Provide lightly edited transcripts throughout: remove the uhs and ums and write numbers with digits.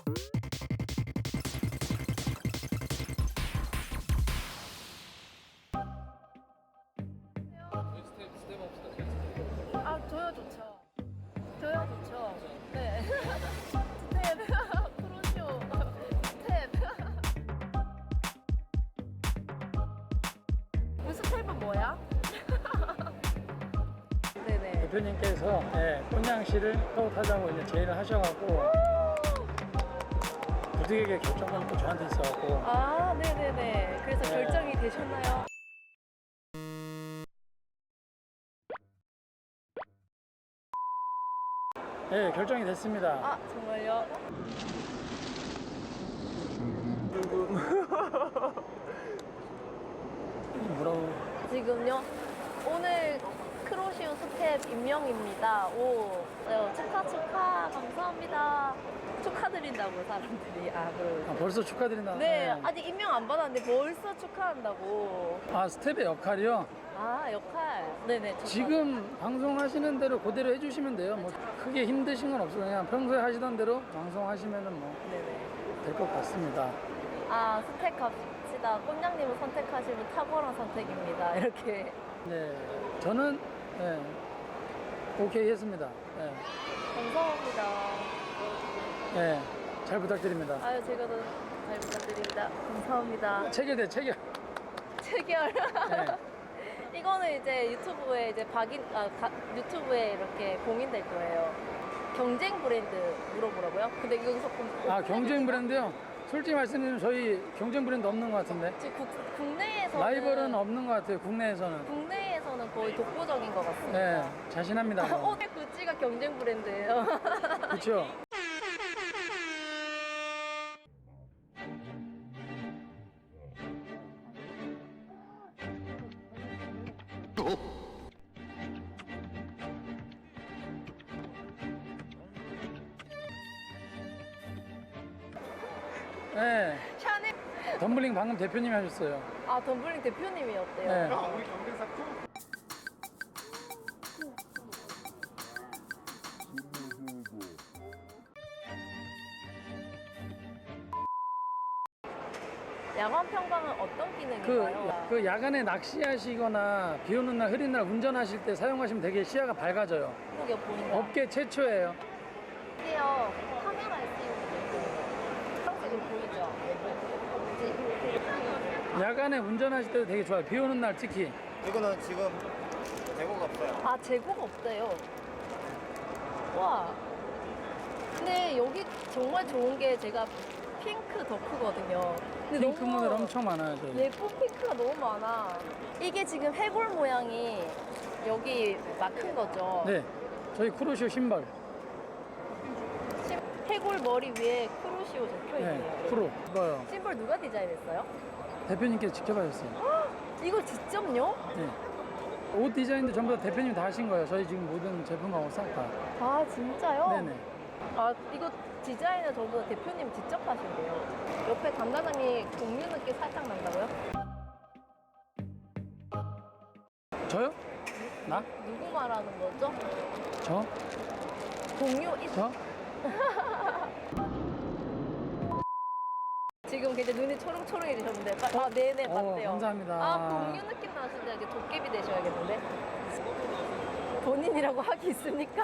아, 저요 좋죠. 저요 좋죠. 네. 스텝, 프로쇼, 스텝. 그 스텝은 뭐야? 네네. 대표님께서 꽃냥시를 스카우트하자고 이제 제의를 하셔갖고 부득이하게 결정권이 또 저한테 있어갖고 아, 네네네. 그래서 네. 결정이 되셨나요? 네, 결정이 됐습니다. 아, 정말요? 뭐라고? 지금요? 오늘 크로시오 스텝 임명입니다. 오, 축하, 감사합니다. 축하드린다고 사람들이. 아, 그러고. 벌써 축하드린다. 네, 아직 임명 안 받았는데 벌써 축하한다고. 아, 스텝의 역할이요? 아, 역할. 네네. 지금 방송하시는 대로 그대로 해주시면 돼요. 뭐 크게 힘드신 건 없어요. 그냥 평소에 하시던 대로 방송하시면은 뭐 될 것 네네. 같습니다. 아, 스텝 갑시다. 꽃냥님을 선택하시면 탁월한 선택입니다. 이렇게. 네, 저는 오케이 했습니다. 감사합니다. 잘 부탁드립니다. 아유, 제가 더 잘 부탁드립니다. 감사합니다. 체결돼, 체결. 체결. 네. 이거는 이제 유튜브에 이제 유튜브에 이렇게 공인될 거예요. 경쟁 브랜드 물어보라고요? 근데 여기서 아, 경쟁 브랜드요? 솔직히 말씀드리면 저희 경쟁 브랜드 없는 것 같은데. 지금 국내에서는 라이벌은 없는 것 같아요, 국내에서는. 국내에서는 거의 독보적인 것 같습니다. 네, 자신합니다. 오늘 구찌가 경쟁 브랜드예요. 그렇죠. 네, 샤넬. 덤블링 방금 대표님이 하셨어요. 아, 덤블링 대표님이었대요. 네. 우리 경쟁사 야간 평방은 어떤 기능인가요? 그 야간에 낚시하시거나 비 오는 날, 흐린 날 운전하실 때 사용하시면 되게 시야가 밝아져요. 이게 보인다. 업계 최초예요. 이게요, 카메라에 띄우는 거 지금 보이죠? 야간에 운전하실 때도 되게 좋아요. 비 오는 날 특히. 이거는 지금 재고가 없어요. 아, 재고가 없대요. 와. 근데 여기 정말 좋은 게 제가 핑크 덕후거든요. 근데 핑크 너무 모델 엄청 많아요, 저희. 예쁜 핑크가 너무 많아. 이게 지금 해골 모양이 여기 막힌 거죠? 네, 저희 쿠로쇼 신발. 해골 머리 위에 크루시오 적혀 있네요. 네, 쿠로. 이거요. 심벌 누가 디자인했어요? 대표님께서 직접 하셨어요. 이걸 직접요? 네. 옷 디자인도 전부 다 대표님이 다 하신 거예요. 저희 지금 모든 제품하고 싹 다. 아, 진짜요? 네네. 아, 이거 디자인을 전부 다 대표님 직접 하신대요. 옆에 감자장이 공유 느낌 살짝 난다고요? 저요? 나? 누구 말하는 거죠? 저? 공유 저? 지금 굉장히 눈이 초롱초롱해지셨는데 아, 네네 맞대요. 감사합니다. 아, 공유 느낌 나시는데 이제 도깨비 되셔야겠는데 본인이라고 하기 있습니까?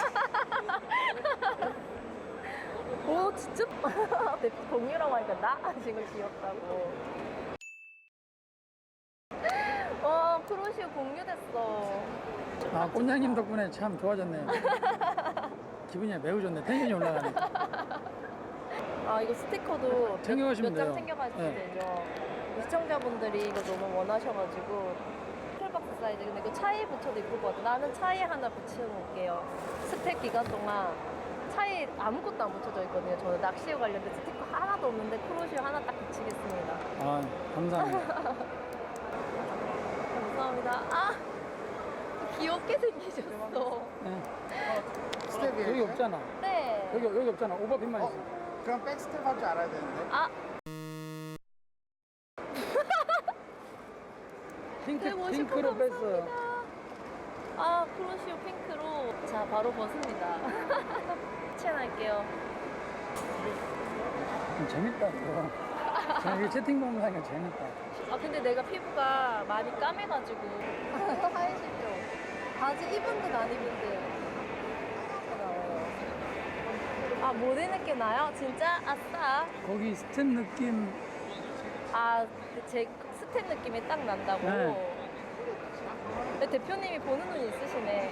오, 진짜 공유라고 하니까 나 지금 귀엽다고. 와, 크로시오 공유됐어. 아, 꽃냥님 덕분에 참 좋아졌네요. 기분이 매우 좋네. 텐션이 올라가네. 아, 이거 스티커도 챙겨가시면 몇 장 돼요. 챙겨가시면 네. 되죠. 시청자분들이 이거 너무 원하셔가지고 쿨박스 사이즈. 근데 이거 차에 붙여도 이쁠 것 같아. 나는 차에 하나 붙여놓을게요. 스택 기간 동안 차에 아무것도 안 붙여져 있거든요. 저는 낚시에 관련된 스티커 하나도 없는데 크로시오 하나 딱 붙이겠습니다. 아, 감사합니다. 감사합니다. 아, 귀엽게 생기셨어. 네. 스텝이에요. 여기 없잖아. 네. 여기 없잖아. 오버핀만 있어. 그럼 백스텝 할 줄 알아야 되는데. 아, 핑크로 뺐어요. 아, 크로시오 핑크로. 자, 바로 벗습니다. 추천할게요. 재밌다. 또. 저는 이게 채팅 보면 하니까 재밌다. 아 근데 내가 피부가 많이 까매가지고 하얘지죠? 바지 입은 듯 안 입은 듯 나와요. 아 모델 느낌 나요? 진짜? 아싸. 거기 스텝 느낌. 아 제 스텝 느낌이 딱 난다고? 네. 근데 대표님이 보는 눈이 있으시네.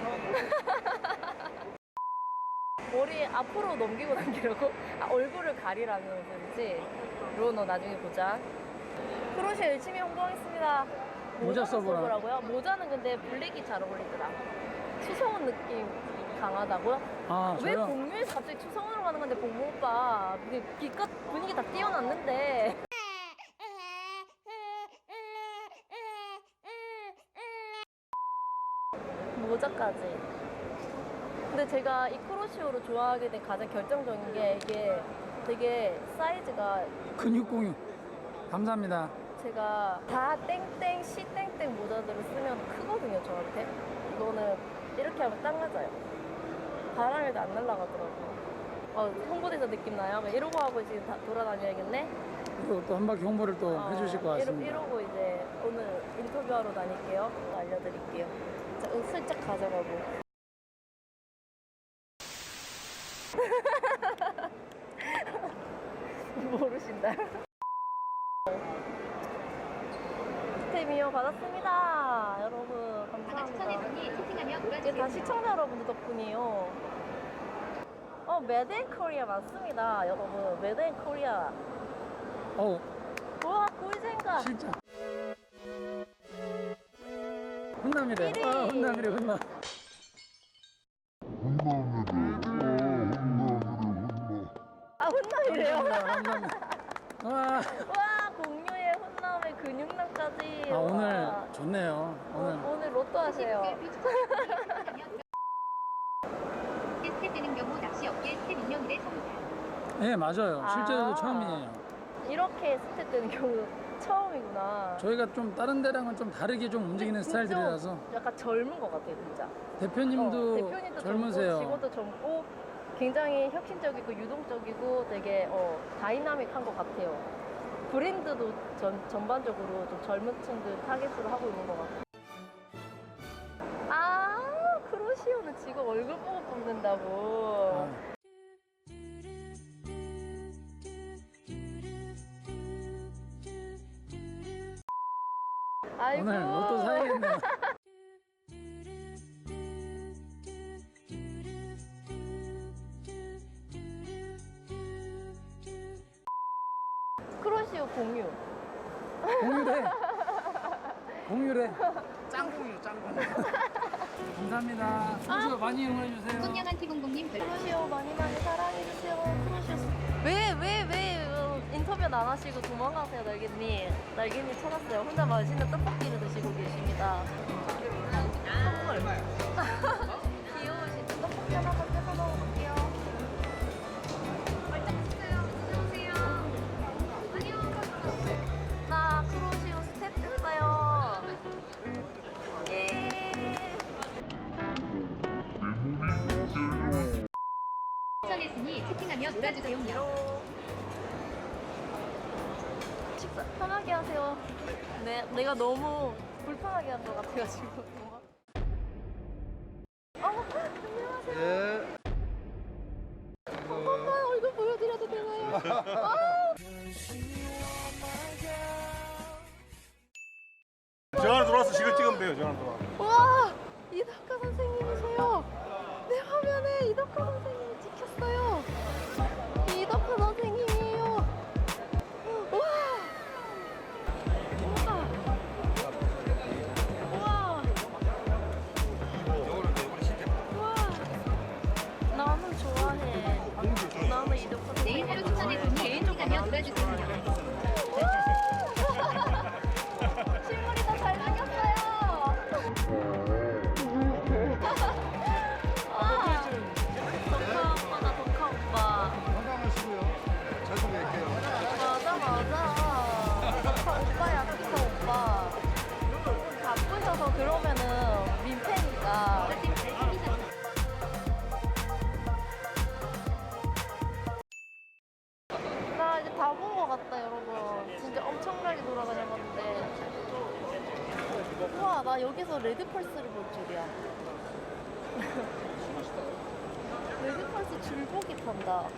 머리 앞으로 넘기고 당기려고? 아, 얼굴을 가리라는 건지. 로너 나중에 보자. 크로셰 열심히 홍보하겠습니다. 모자 써보라. 써보라고요? 모자는 근데 블랙이 잘 어울리더라. 추성훈 느낌 강하다고요? 아, 왜 저요? 공유에서 갑자기 추성훈으로 가는 건데 봉모 오빠 기껏 분위기 다 띄워놨는데. 모자까지. 근데 제가 이 크로시오를 좋아하게 된 가장 결정적인 게 이게 되게 사이즈가 근육 공유. 감사합니다. 제가 다 땡땡 시 땡땡 모자들을 쓰면 크거든요 저한테. 이거는 이렇게 하면 딱 맞아요. 바람에도 안 날아가더라고요. 홍보대사 느낌 나요? 이러고 하고 지금 다 돌아다녀야겠네? 그리고 또 한 바퀴 홍보를 또 해주실 것 같습니다. 이러고 이제 오늘 인터뷰하러 다닐게요. 또 알려드릴게요. 자, 슬쩍 가져가고. 모르신다. 스테미어 받았습니다. 여러분 감사합니다. 이게 다 시청자 여러분들 덕분이에요. 메드 인 코리아 맞습니다. 여러분 메드 인 코리아. 어우, 우와 꿀잼가. 실장. 훈남이래. 삐리. 아, 훈남이래, 훈남. 아 훈남이래요? 훈남. 와. 와 공유의 훈남의 근육남까지. 아, 오늘 와. 좋네요. 오늘 로또 하세요. 스텝 되는 경우 낚시 업계 스텝 인형이래 섭니다. 네, 맞아요. 실제로도 아. 처음이에요. 이렇게 스텝 되는 경우 처음이구나. 저희가 좀 다른 데랑은 좀 다르게 좀 움직이는 진짜 스타일들이라서 약간 젊은 것 같아요 진짜. 대표님도, 대표님도 젊으세요. 젊고 직원도 젊고 굉장히 혁신적이고 유동적이고 되게 다이나믹한 것 같아요. 브랜드도 전반적으로 좀 젊은 층들 타겟으로 하고 있는 것 같아요. 아 크로시오는 직원 얼굴 보고 뽑는다고. 아, 아이고. 오늘 로또 사야겠네요. 크로시오 공유. 공유래. 공유래. 짱공이요, 짱공. 감사합니다. 소주 많이 이용해주세요. 손양한 티공공님 별 크로시오 많이 사랑해주세요. 크로시오. 왜 인터뷰 안 하시고 도망가세요, 날개님. 날개님 찾았어요. 혼자 맛있는 떡볶이를 드시고 계십니다. 선물. 귀여우신 떡볶이 하나만 뜯어 먹어볼게요. 나 크로시오 스텝 됐어요. 예. 추천했으니 채팅하며 놀아주세요. 식사 편하게 하세요. 내가 너무 불편하게 한 것 같아가지고. 안녕하세요. 예. 엄마 얼굴 보여드려도 되나요? 전화 들어와서 지금 찍으면 돼요, 전화 들어와. 와 이덕화 선생님이세요. 내 화면에 이덕화 선생님이 찍혔어요. 이덕화 선생님이에요. 와. 우와. 우와. 나는 좋아해. 나는 이덕화 내일 하루 선생님 추천했으니 개인적으로 채팅하며 나는 놀아주세요. 실물이 더 잘생겼어요. 와, 덕화 돌아갔다 여러분. 진짜 엄청나게 돌아다녀봤는데. 우와 나 여기서 레드펄스를 볼 줄이야. 레드펄스 줄보기 탄다.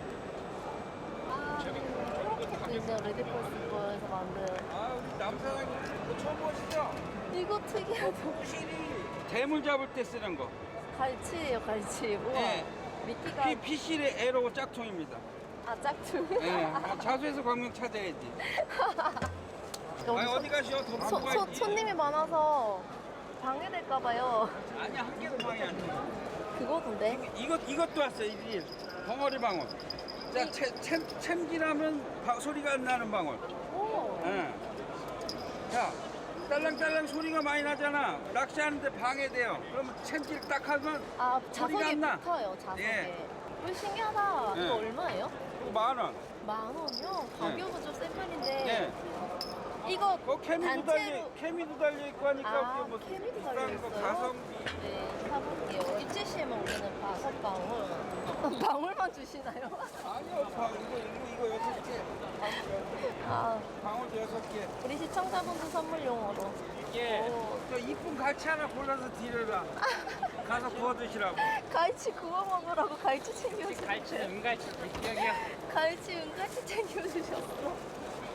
이렇게도 이제 레드펄스 거에서 만든. 아, 우리 남사장님 이거 처음 보시죠? 이거 특이하다. 대물 잡을 때 쓰는 거. 갈치예요 갈치. 우와. 네. 미끼가 피실의 에로 짝퉁입니다. 아 짝퉁. 예. 자수해서 광명 찾아야지. 아니 어디 가시오? 더 갖고 가야지. 손님이 많아서 방해될까봐요. 아니 한 개도 방해 안 돼. 그거던데. 이것도 왔어 이 벙어리 방울. 자 챔질하면 소리가 안 나는 방울. 오. 예. 자 딸랑딸랑 소리가 많이 나잖아. 낚시하는데 방해돼요. 그러면 챔질 딱 하면 아 소리가 자석에 안 나. 붙어요 자석에. 예. 이거 신기하다. 예. 이거 얼마예요? 10,000원. 10,000원이요? 가격은 좀 센 편인데. 예. 이거 케미도 단체로 달려 있고 하니까 아, 그게 뭐 케미도 비싼 달려 거 있어요? 가성비. 네, 사볼게요. 입지시에만 오면은 5방울. 방울만 주시나요? 아니요, 이거 6개. 아, 방울 6개. 우리 시청자분들 선물용으로. 예. 오. 저 이쁜 갈치 하나 골라서 드려라. 가서 구워 드시라고. 갈치 구워 먹으라고 갈치 챙겨주셨어요. 갈치는 은갈치 여기요. 갈치 은갈치 챙겨주셨어.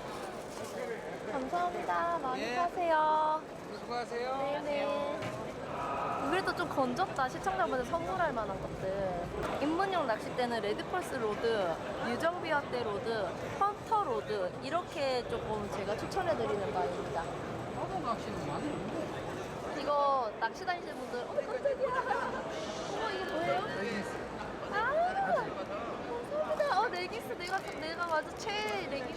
감사합니다. 많이 예. 사세요. 수고하세요. 네네. 그래도 좀 건졌다. 시청자분들 선물할 만한 것들. 입문용 낚싯대는 레드펄스 로드, 유정비와대 로드, 헌터 로드 이렇게 조금 제가 추천해드리는 바입니다. 하도 낚시는 많이 이거 낚시 다니시는 분들 깜짝이야. 어머 이게 뭐예요? 아 감사합니다. 레기스 내가 맞아 최애 레기스.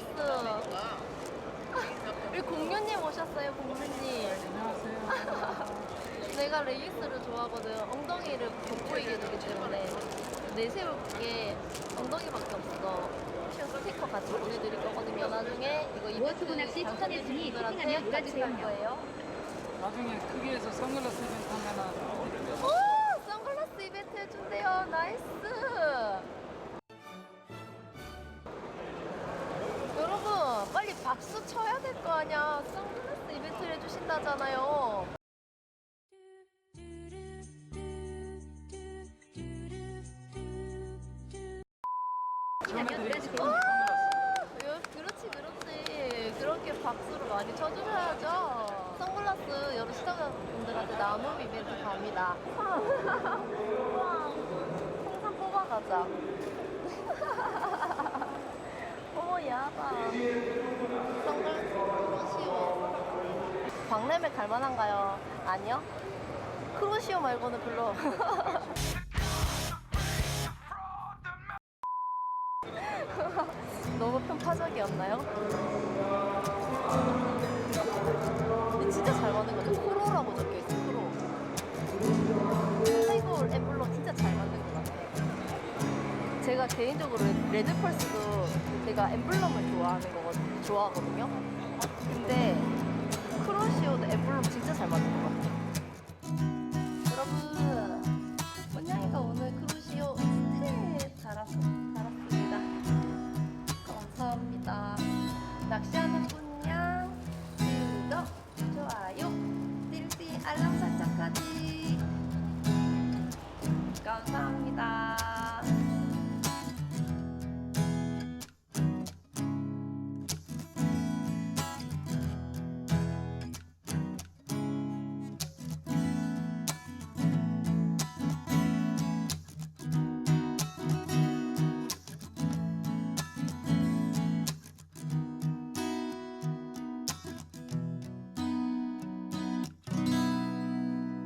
우리 공유님 오셨어요 공유님. 안녕하세요. 내가 레기스를 좋아하거든. 엉덩이를 돋보이게 해주기 때문에 내세울게 엉덩이밖에 없어. 스티커 같이 보내드릴 거거든요. 나중에 이거 이벤트 워수구 낚시 당첨되신 추천했으니 분들한테 채팅하면 같이 갈 놀아주세요. 거예요. 나중에 크게해서 선글라스 이벤트 하면은 오! 선글라스 이벤트 해준대요. 나이스! 여러분, 빨리 박수 쳐야 될 거 아니야. 선글라스 이벤트를 해주신다잖아요. 그렇지. 그렇게 박수를 많이 쳐주셔야죠. 선글라스 여러 시청자분들한테 나눔 이벤트 갑니다. 우와, 풍선 뽑아가자. 어머, 야다. 선글라스 크로시오. 박람회 갈만한가요? 아니요? 크로시오 말고는 별로. 너무 편파적이었나요? 근데 진짜 잘 만든 거죠. 프로라고 적혀있어, 프로. 하이볼 엠블럼 진짜 잘 만든 것 같아요. 제가 개인적으로 레드펄스도 제가 엠블럼을 좋아하거든요. 근데 크로시오도 엠블럼 진짜 잘 만든 것 같아요.